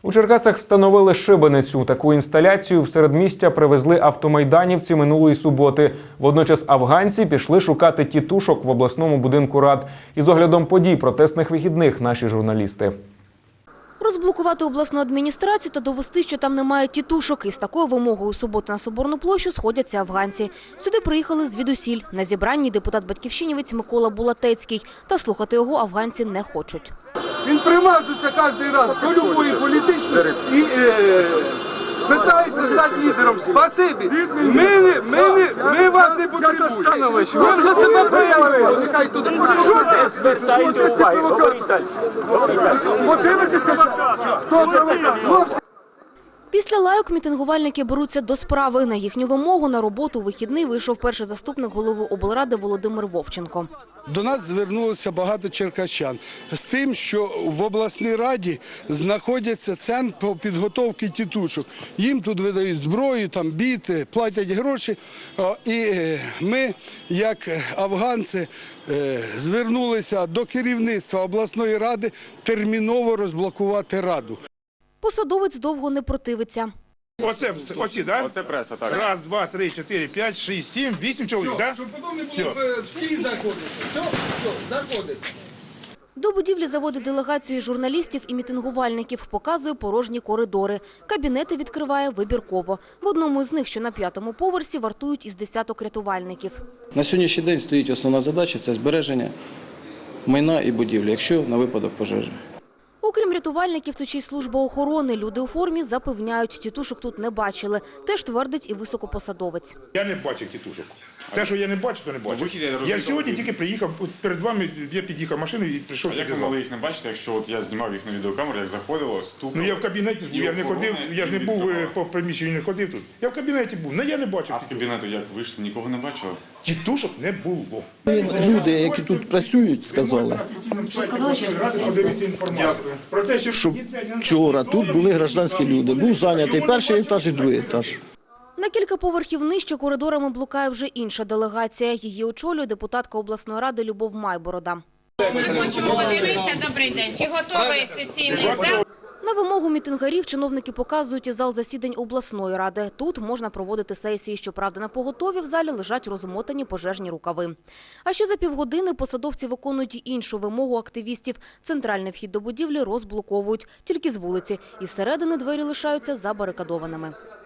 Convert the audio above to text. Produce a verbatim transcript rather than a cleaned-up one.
У Черкасах встановили шибеницю. Таку інсталяцію в середмістя привезли автомайданівці минулої суботи. Водночас афганці пішли шукати тітушок в обласному будинку рад. Із оглядом подій протестних вихідних наші журналісти. Розблокувати обласну адміністрацію та довести, що там немає тітушок. Із такою вимогою у суботу на Соборну площу сходяться афганці. Сюди приїхали звідусіль. На зібранні депутат-батьківщинівець Микола Булатецький. Та слухати його афганці не хочуть. Він примазується кожен раз до любої політичної і е, питається стати лідером. Спасибі. Ми, не, ми, не, ми вас не потребуємо. Ви вже себе проявили. Що ти? Звертайте увагу, говоріть далі. Подивитися, хто провокатор. Після лайок мітингувальники беруться до справи. На їхню вимогу на роботу у вихідний вийшов перший заступник голови облради Володимир Вовченко. До нас звернулося багато черкащан з тим, що в обласній раді знаходиться центр по підготовці тітушок. Їм тут видають зброю, там біти, платять гроші. І ми, як афганці, звернулися до керівництва обласної ради терміново розблокувати раду. Посадовець довго не противиться. Оце, оці, да? Оце преса, так. Раз, два, три, чотири, п'ять, шість, сім, вісім чоловік, так? Щоб потім не було, всі заходять. Все, все, заходить. До будівлі заводить делегацію журналістів і мітингувальників, показує порожні коридори. Кабінети відкриває вибірково. В одному з них, що на п'ятому поверсі, вартують із десяток рятувальників. На сьогоднішній день стоїть основна задача – це збереження майна і будівлі, якщо на випадок пожежі. Окрім рятувальників, тут ще й служба охорони. Люди у формі запевняють, тітушок тут не бачили. Теж твердить і високопосадовець. Я не бачив тітушок. Те, що я не бачу, то не бачу. вихід, я Я розумію, сьогодні ви- тільки приїхав, от перед вами я під'їхав машиною і прийшов А як сюди. ви могли їх не бачити, якщо от я знімав їх на відеокамеру, як заходило, стукало? Ну я в кабінеті був, І я не охорона, ходив, я ж не і був е, відкривала. по приміщенню, не ходив тут. Я в кабінеті був, але я не бачив. А з кабінету як вийшли, нікого не бачили? Тітушок не було. Люди, які тут працюють, сказали, Що сказали, що інформацію? Про те, що що вчора тут були гражданські люди. Був зайнятий перший етаж і другий етаж. На кілька поверхів нижче коридорами блукає вже інша делегація. Її очолює депутатка обласної ради Любов Майборода. Ми хочемо подивитися, добрий день, чи готовий сесійний зал? На вимогу мітингарів чиновники показують і зал засідань обласної ради. Тут можна проводити сесії. Щоправда, на поготові в залі лежать розмотані пожежні рукави. А ще за півгодини посадовці виконують і іншу вимогу активістів. Центральний вхід до будівлі розблоковують. Тільки з вулиці. Із середини двері лишаються забарикадованими.